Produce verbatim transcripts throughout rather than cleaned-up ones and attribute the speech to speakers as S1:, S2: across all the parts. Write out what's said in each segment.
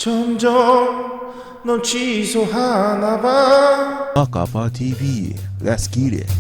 S1: 점점 넌 취소하나봐.
S2: 마카파 티비, Let's get it.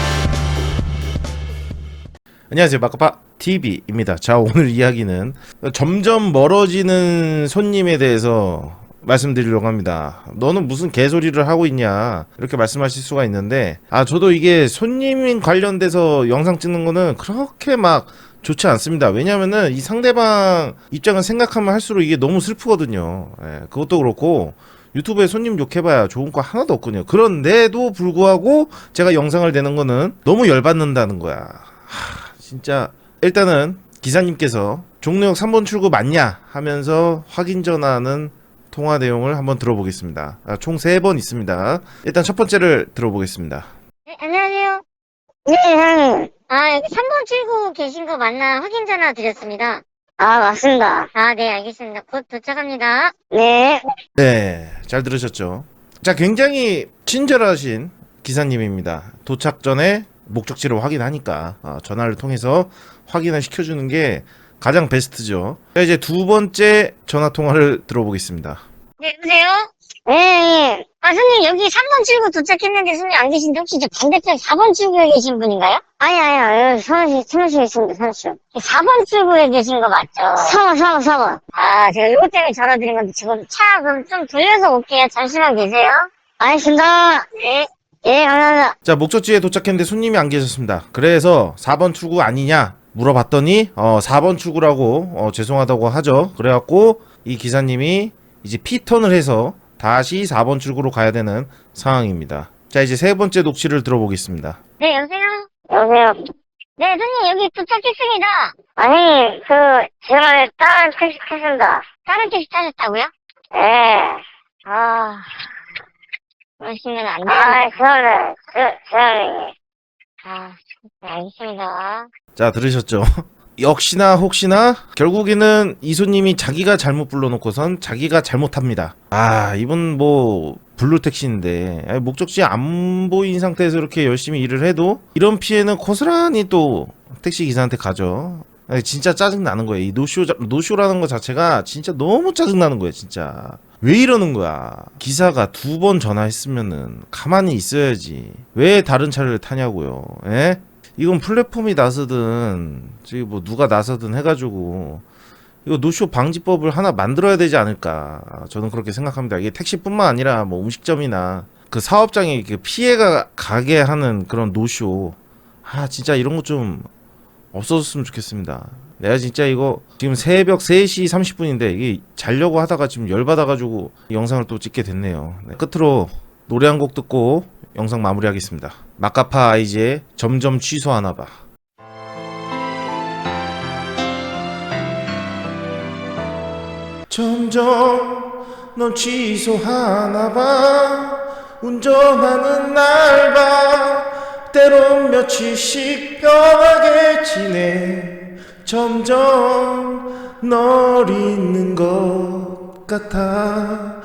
S1: 안녕하세요, 마카파 티비입니다. 자, 오늘 이야기는 점점 멀어지는 손님에 대해서 말씀드리려고 합니다. 너는 무슨 개소리를 하고 있냐 이렇게 말씀하실 수가 있는데, 아 저도 이게 손님 관련돼서 영상 찍는 거는 그렇게 막 좋지 않습니다. 왜냐면은 이 상대방 입장을 생각하면 할수록 이게 너무 슬프거든요. 예, 그것도 그렇고 유튜브에 손님 욕해봐야 좋은 거 하나도 없거든요. 그런데도 불구하고 제가 영상을 내는 거는 너무 열받는다는 거야. 하, 진짜. 일단은 기사님께서 종로역 삼 번 출구 맞냐 하면서 확인 전화하는 통화 내용을 한번 들어보겠습니다. 아, 총 세 번 있습니다. 일단 첫 번째를 들어보겠습니다.
S3: 네, 안녕하세요. 네, 형님. 아, 여기 삼 번 출구 계신 거 맞나 확인 전화 드렸습니다. 아, 맞습니다. 아, 네, 알겠습니다. 곧 도착합니다. 네.
S1: 네, 잘 들으셨죠? 자, 굉장히 친절하신 기사님입니다. 도착 전에 목적지를 확인하니까 아, 전화를 통해서 확인을 시켜주는 게 가장 베스트죠. 자, 이제 두 번째 전화 통화를 들어보겠습니다.
S3: 네, 여보세요? 네, 네. 아, 손님, 여기 삼 번 출구 도착했는데 손님 안 계신데 혹시 저 반대편 사 번 출구에 계신 분인가요? 아니, 아니요. 여기 사무실, 사무실에 있습니다, 사무실. 사 번 출구에 계신 거 맞죠? 사 번, 사 번, 사 번. 아, 제가 이것 때문에 전화 드린 건데 지금 차 그럼 좀 돌려서 올게요. 잠시만 계세요. 알겠습니다. 네. 예, 감사합니다.
S1: 자, 목적지에 도착했는데 손님이 안 계셨습니다. 그래서 사 번 출구 아니냐 물어봤더니 어, 사 번 출구라고 어, 죄송하다고 하죠. 그래갖고 이 기사님이 이제 피턴을 해서 다시 사 번 출구로 가야 되는 상황입니다. 자, 이제 세 번째 녹취를 들어보겠습니다.
S3: 네, 여보세요? 여보세요? 네, 손님, 여기 도착했습니다. 아니, 그, 제가 다른 택시 탔습니다. 다른 택시 타셨다고요? 네. 아, 그러시면 안 돼요. 아, 그러네. 그, 그러네. 아, 네, 알겠습니다.
S1: 자, 들으셨죠? 역시나 혹시나 결국에는 이 손님이 자기가 잘못 불러놓고선 자기가 잘못합니다. 아, 이분 뭐 블루택시인데 아니, 목적지 안 보인 상태에서 이렇게 열심히 일을 해도 이런 피해는 고스란히 또 택시 기사한테 가죠. 아니, 진짜 짜증 나는 거예요. 이 노쇼 노쇼라는 거 자체가 진짜 너무 짜증 나는 거예요. 진짜 왜 이러는 거야? 기사가 두 번 전화했으면은 가만히 있어야지. 왜 다른 차를 타냐고요? 에? 이건 플랫폼이 나서든 저기 뭐 누가 나서든 해가지고 이거 노쇼 방지법을 하나 만들어야 되지 않을까, 저는 그렇게 생각합니다. 이게 택시뿐만 아니라 뭐 음식점이나 그 사업장에 피해가 가게 하는 그런 노쇼, 아 진짜 이런 거 좀 없어졌으면 좋겠습니다. 내가 진짜 이거 지금 새벽 세 시 삼십 분인데 이게 자려고 하다가 지금 열받아가지고 영상을 또 찍게 됐네요. 네, 끝으로 노래 한 곡 듣고 영상 마무리하겠습니다. 마카파 아이즈의 점점 취소하나봐. 점점 넌 취소하나봐. 운전하는 날 봐. 때론 며칠씩 변하게 지내. 점점 널 잊는 것 같아.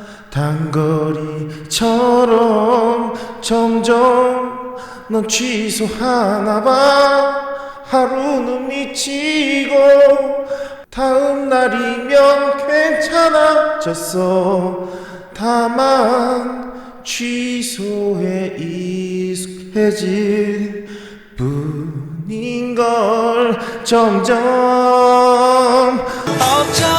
S1: 단거리처럼 점점 넌 취소하나봐. 하루는 미치고 다음 날이면 괜찮아졌어. 다만 취소에 익숙해질 뿐인걸. 점점